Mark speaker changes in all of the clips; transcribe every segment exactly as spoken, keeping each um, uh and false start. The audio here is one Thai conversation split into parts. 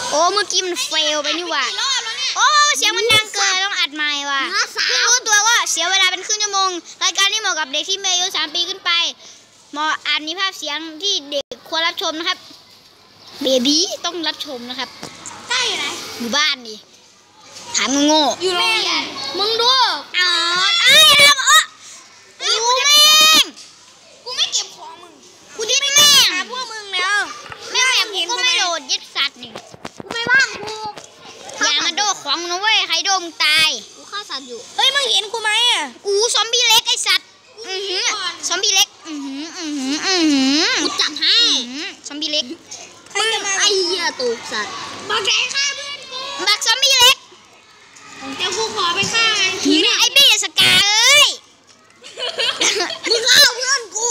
Speaker 1: โอ้เมื่อกี้มันเฟลไปนี่ว่ะโอ้เสียงมันดังเกินต้องอัดใหม่ว่ะเพิ่งรู้ตัวว่าเสียเวลาเป็นครึ่งชั่วโมงรายการนี้เหมาะกับเด็กที่มีอายุสามปีขึ้นไปเหมาะอาจมีภาพเสียงที่เด็กควรรับชมนะครับเบบี้ต้องรับชมนะครับใช่ไหมอยู่บ้านดิถามโง่อยู่โรงเรียนมึงดูอ๋อไอ้ทำเออกูแม่งกูไม่เก็บของมึงกูดิ้นแม่งพวกมึงแล้วแม่งกูก็ไม่โดดยึดสัตว์นี่กูไม่ว่างกูอย่ามาโดดของนะเว้ยใครโดนมึงตายกูฆ่าสัตว์อยู่เฮ้ยมึงเห็นกูไหมอ่ะกูซอมบี้เล็กไอสัตว์อือหือซอมบี้เล็กอือหืออือหืออือหือกูจับให้ซอมบี้เล็กมึงไอ้เหี้ยตูกสัตว์บักแกฆ่าเพื่อนกูบักซอมบี้เล็กเดี๋ยวกูขอไปฆ่าไอ้บี้สกาเอ้ยมึงฆ่าเพื่อนกู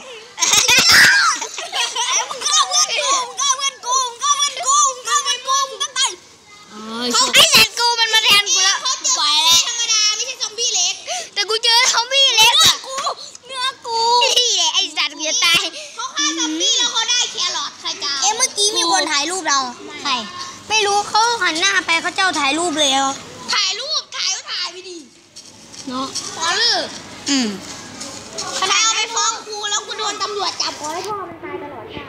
Speaker 1: มึงฆ่าเพื่อนกูมึงฆ่าเพื่อนกูมึงฆ่าเพื่อนกูมึงฆ่าเพื่อนกูมึงต้องตายเขาไอ้แสนกูมันมาแทนกูแล้วปล่อยแล้วธรรมดาไม่ใช่ซอมบี้เล็กแต่กูเจอซอมบี้เล็กอะกูเนื้อกูนี่แหละไอ้สัตว์กูจะตายเขาฆ่าซอมบี้แล้วเขาได้แครอทใครจะเอ๊ะเมื่อกี้มีคนถ่ายรูปเราใครไม่รู้เขาหันหน้าไปเขาเจ้าถ่ายรูปเลยถ่ายรูปถ่ายก็ถ่ายไปดิเนาะพอเลยอืมใครเอาไปฟ้องครูแล้วกูโดนตำรวจจับขอให้พ่อมันตายตลอดชาติ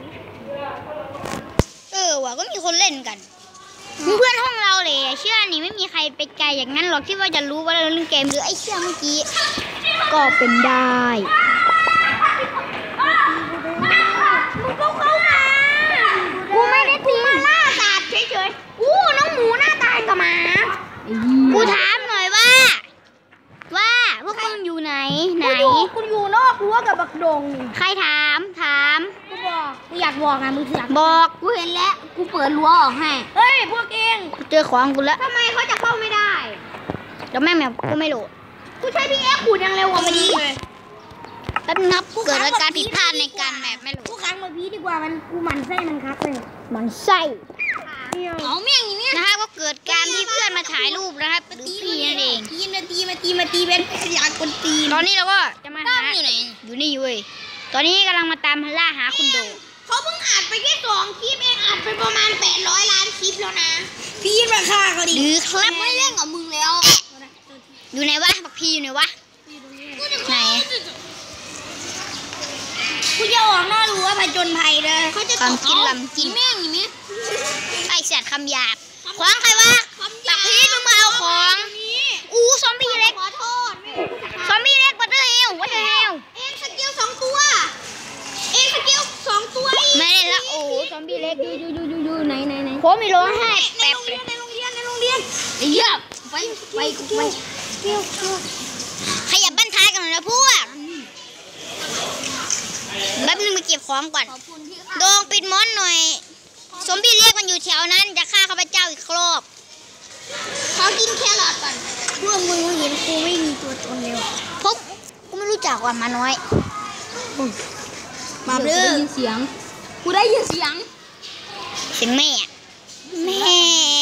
Speaker 1: เออว่ะก็มีคนเล่นกันเพื่อนห้องเราเลยเชื่อนี่ไม่มีใครไปไกลอย่างนั้นหรอกที่ว่าจะรู้ว่าเราเล่นเกมหรือไอ้เชื่อเมื่อกี้ก็เป็นได้มึงก็เข้ามากูไม่ได้ตีมาล่าสัตว์เฉยๆกูน้องหมูหน้าตายกับหมากูถามหน่อยว่าว่าพวกมึงอยู่ไหนไหนกูอยู่นอกรั้วกับบักดงใครถามถามกูบอกกูอยากบอกไงมึงอยากบอกกูเห็นแล้วกูเปิดรั้วออกให้เฮ้ยพวกเองกูเจอของกูแล้วทำไมเขาจะเข้าไม่ได้แล้วแม่แม่กูไม่โหลดกูใช้พี่เอ็กซ์ขูดยังเร็วกว่ามันเลยแล้วนับเกิดอาการผิดพลาดในการแมปไม่โหลดกูค้างมาพีดีกว่ามันกูมันไส้มันคักเลยมันไส้เอาเมี่ยงอย่างนี้นะครับก็เกิดการที่เพื่อนมาถ่ายรูปนะครับดูพี่นั่นเองตีมาตีมาตีมาตีเป็นอยากคนตีตอนนี้เราก็จะมาหาอยู่ไหนอยู่นี่เว้ยตอนนี้กำลังมาตามล่าหาคุณโดเขาเพิ่งอัดไปแค่สองคลิปเองอัดไปประมาณแปดร้อยล้านคลิปแล้วนะพี่มาฆ่าเขาดิหรือครับไม่เล่นกับมึงแล้วอยู่ไหนวะบักพี่อยู่ไหนวะไหนกูจะออกนอกรั้วผจญภัยเลยเขาจะต้องกินลำกินแม่งอย่างนี้ไอสัตว์คำหยาบขวางใครวะบักพีทมึงมาเอาของอู้ซอมบี้เล็กซอมบี้เล็กบัตเตอร์เฮลวัตเตอร์เฮลเอ็งสกิลสองตัวเอ็งสกิลสองตัวไม่เล่นละโอ้ซอมบี้เล็กยูยูยูยูยูไหนไหนไหนโค้มีโลให้แป๊บในโรงเรียนในโรงเรียนไอ้เหี้ยไปไปไปขยับบ้านท้ายกันหน่อยนะพวกแป๊บนึงมาเก็บของก่อนโดงปิดมอนหน่อยซอมบี้เรียกมันอยู่แถวนั้นจะฆ่าข้าพเจ้าอีกรอบขอกินแครอทก่อนพวกมึงเห็นกูไม่มีตัวตนเร็วพบกูไม่รู้จักว่ามาน้อยมาเด้อได้ยินเสียงกูได้ยินเสียงเสียงแม่แม่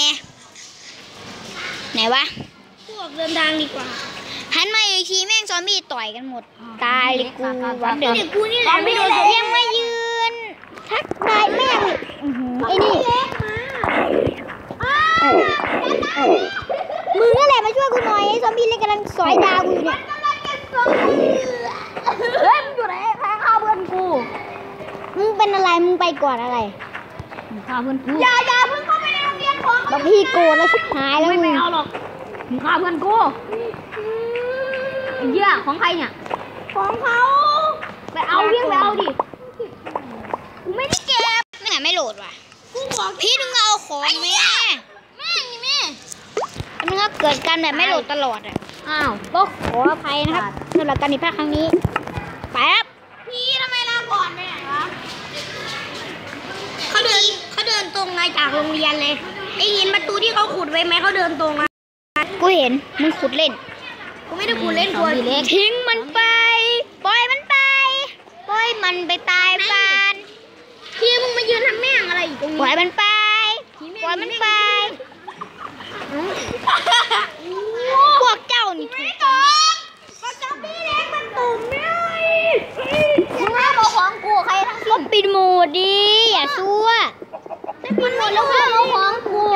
Speaker 1: ไหนวะพวกเดินทางดีกว่าหันมาอีกทีแม่งซอมบี้ต่อยกันหมดตายเลยกูวันเดิมกูนี่แหละไม่โดนยังมายืนทักทายแม่งไอ้นี่มึงนั่นแหละมาช่วยกูหน่อยไอ้ซอมบี้เล็กกำลังสอยดาวกูอยู่เนี่ยเฮ้ยมึงอยู่ไหนใครฆ่าเพื่อนกูมึงเป็นอะไรมึงไปก่อนอะไรมึงฆ่าเพื่อนกูอย่าอย่าเพิ่งเข้าไปในโรงเรียนของบักพี่โกรธแล้วชิบหายแล้วมึงไม่เอาหรอกมึงฆ่าเพื่อนกูเยอะของใครเนี่ยของเขาไปเอาเรื่องไปเอาดิกูไม่ได้เก็บไม่ไหนไม่โหลดว่ะกูบอกพี่มึงเอาของแม่แม่นี่แม่มึงก็เกิดการแบบไม่โหลดตลอดอ่ะอ้าวก็ขออภัยนะครับสำหรับการผิดพลาดครั้งนี้ไปครับพี่ทำไมลาก่อนไปไหนวะเขาเดินเขาเดินตรงมาจากโรงเรียนเลยไอ้หินประตูที่เขาขุดไว้ไหมเขาเดินตรงมากูเห็นมึงขุดเล่นกูไม่ได้ขุดเล่นตัวเล็กทิ้งมันไปปล่อยมันไปปล่อยมันไปตายบ้านพี่มึงมายืนทำแม่งอะไรอยู่ตรงนี้ปล่อยมันไปปล่อยมันไปพวกเจ้านี่ถูกก็จะพี่เล็กมันตุ่มเลยมึงห้ามเอาของกูใครทั้งสิ้นปิดหมดดิอย่าซัวปิดหมดแล้วห้ามเอาของ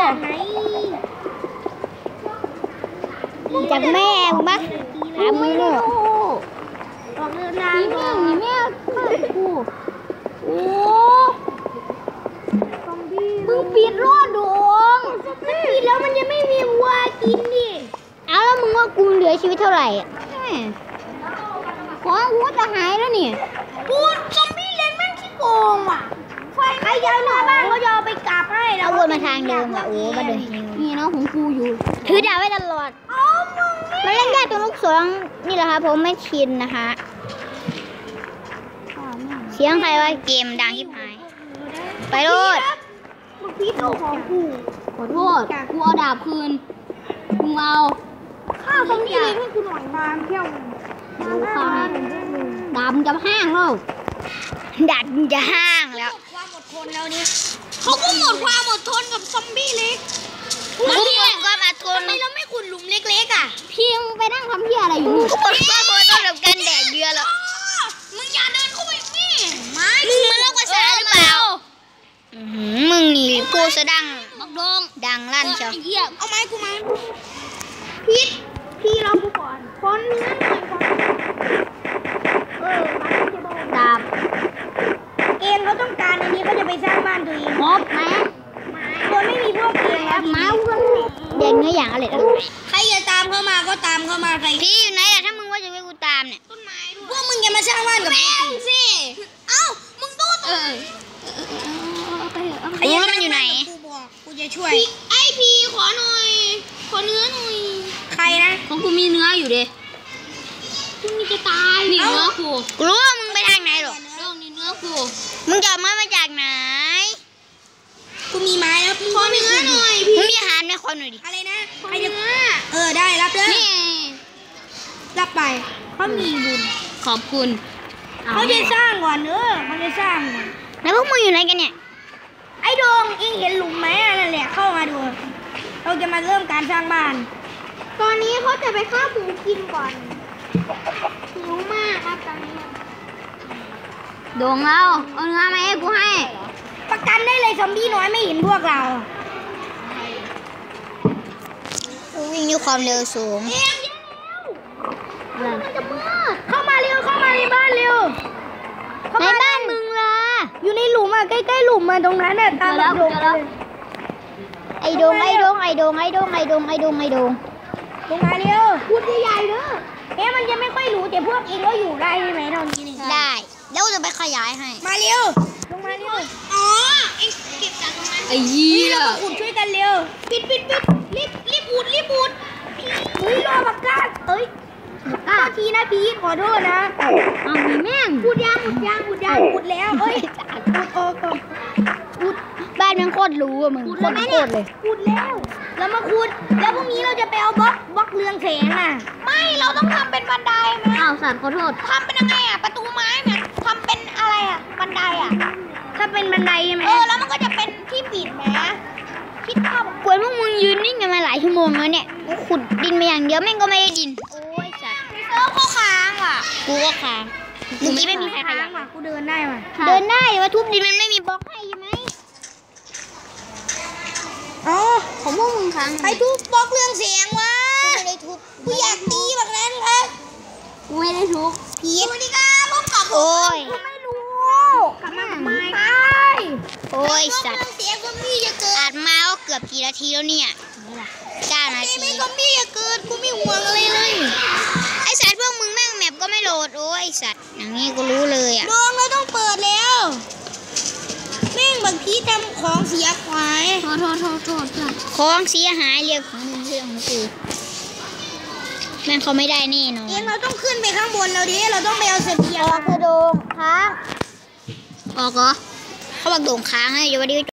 Speaker 1: จากแม่มึงปะถามมึงเลยออกเดินทางก่อนนี่แม่ข้ากูโอ้มึงปิดรอดดงมันปิดแล้วมันยังไม่มีวัวกินดิเอาแล้วมึงว่ากูเหลือชีวิตเท่าไหร่ของกูจะหายแล้วนี่กูซอมบี้เล่นแม่งขี้โกงว่ะไฟใครย้ายมาบ้านเขาจะเอาไปกลับให้เราวนมาทางเดิมอ่ะโอ้มาเดินนี่เนาะของกูอยู่ถือดาบไว้ตลอดมาเล่นได้ตรงลูกศรนี่แหละค่ะผมไม่ชินนะคะเสียงใครวะเกมดังที่หายไปโลดมึงพีดโลของกูขอโทษกูเอาดาบคืนมึงเอาข้าวตรงนี้เลยให้กูหน่อยมาเที่ยวข้าวดาบมึงจะห้างแล้วดาบมึงจะห้างแล้วความอดทนแล้วนี่เขาก็หมดความอดทนกับซอมบี้เล็กมันหมดความอดทนทำไมเราไม่ขุดหลุมเล็กๆอ่ะเพียงไปนั่งทำเพี้ยอะไรอยู่ก็หมดความอดทนกับการแดกเดือแล้วมึงอย่าเดินเข้าไปนี่มึงมันเลิกภาษาหรือเปล่ามึงนี่พูดซะดังบักดงดังลั่นเชียวเอาไม้กูมาพีทพี่เรากูก่อนคนเนื้อหน่อยก่อนเออดาบเองเขาต้องการอันนี้เขาจะไปสร้างบ้านตัวเองมอบไหมคนไม่มีพวกเองครับไม้เพื่อนเด็กเนื้ออย่างอะไรใครจะตามเข้ามาก็ตามเข้ามาใครพี่อยู่ไหนอะถ้ามึงว่าจะไปกูตามเนี่ยต้นไม้พวกมึงอย่ามาสร้างบ้านกับแม่สิเอ้ามึงดูตัวไอ้มันอยู่ไหนกูบอกกูจะช่วยไอพีขอหน่อยขอเนื้อหน่อยใครนะของกูมีเนื้ออยู่ดิกูมีจะตายนี่เนื้อกูกูรู้ว่ามึงไปทางไหนหรอเรื่องนี้เนื้อกูมึงจะเอาไม้มาจากไหนกูมีไม้แล้วขอเนื้อหน่อยมึงมีอาหารไหมขอหน่อยดิอะไรนะใครจะเออได้รับเลยนี่รับไปเขามีบุญขอบคุณเขาจะสร้างก่อนเออเขาจะสร้างก่อนแล้วพวกมึงอยู่ไหนกันเนี่ยไอ้ดงเองเห็นหลุมไหมนั่นแหละเข้ามาดูเราจะมาเริ่มการสร้างบ้านตอนนี้เขาจะไปฆ่าหมูกินก่อนหิวมากครับตอนนี้ดงเราเอาเนื้อมาให้กูให้ประกันได้เลยซอมบี้น้อยไม่เห็นพวกเราวิ่งด้วยความเร็วสูงเข้ามาเร็วเข้ามาในบ้านเร็วในบ้านมึงล่ะอยู่ในหลุมอ่ะใกล้ๆหลุมมาตรงนั้นน่ะตามแล้วไอ้ดงไอ้ดงไอ้ดงไอ้ดงไอ้ดงไอ้ดงไอ้ดงลงมาเร็วพูดใหญ่ๆเด้อเอ๊ะมันจะไม่ค่อยรู้แต่พวกเองก็อยู่ได้ใช่ไหมตอนนี้นี่ได้แล้วจะไปขยายให้มาเร็วลงมาเร็วอ๋อเอ็งเก็บจากตรงนั้นไอ้ยี่เราขุดช่วยกันเร็วปิดปิดปิดรีบรีบอุดรีบอุดเฮ้ยรอบักกาดเอ้ยบักกาดทีนะพีขอโทษนะอ้าวมีแม่งอุดยางอุดยางอุดยางอุดแล้วเอ้ยอุดโอ้ก่อนอุดบ้านมันโคตรรู้อะมึงโคตรโคตรเลยอุดแล้วแล้วมาขุดแล้วพรุ่งนี้เราจะไปเอาบล็อกบล็อกเรืองแสงอ่ะไม่เราต้องทำเป็นบันไดไหมอ้าวสัตว์ขอโทษทำเป็นยังไงอ่ะประตูไม้เนี่ยทำเป็นอะไรอ่ะบันไดอ่ะถ้าเป็นบันไดใช่ไหมเออแล้วมันก็จะเป็นที่ปิดไหมคิดภาพกวนพวกมึงยืนนิ่งกันมาหลายชั่วโมงแล้วเนี่ยกูขุดดินมาอย่างเดียวแม่งก็ไม่ได้ดินโอ้ยสัตว์เออเขาค้างอ่ะกูก็ค้างเมื่อกี้ไม่มีใครค้างว่ะกูเดินได้ว่ะเดินได้ว่าทุบดินมันไม่มีบล็อกให้ใช่ไหมอ๋อของพวกมึงค้างใครทุบบล็อกเรื่องเสียงวะกูไม่ได้ทุบกูอยากตีแบบนั้นครับกูไม่ได้ทุบผีสวัสดีครับพบกับโอ้ยกูไม่รู้กลับมาทำไมโอ้ยสัตว์เสียงซอมบี้จะเกิดอัดมาก็เกือบกี่นาทีแล้วเนี่ยเก้านาทีไม่ซอมบี้จะเกิดกูไม่ห่วงอะไรเลยไอสัตว์พวกมึงแม่งแมปก็ไม่โหลดโอ้ยสัตว์อย่างนี้กูรู้เลยอ่ะดวงเราต้องเปิดแล้วแม่งบางทีทำของเสียหายโทษโทษโทษโทษของเสียหายเรียกของมึงเรื่องของกูแม่งเขาไม่ได้แน่นอนเองเราต้องขึ้นไปข้างบนเราดิเราต้องไปเอาเสบียงออกกระโดงค้างออกเหรอเขาบอกโด่งค้างให้อยู่วันนี้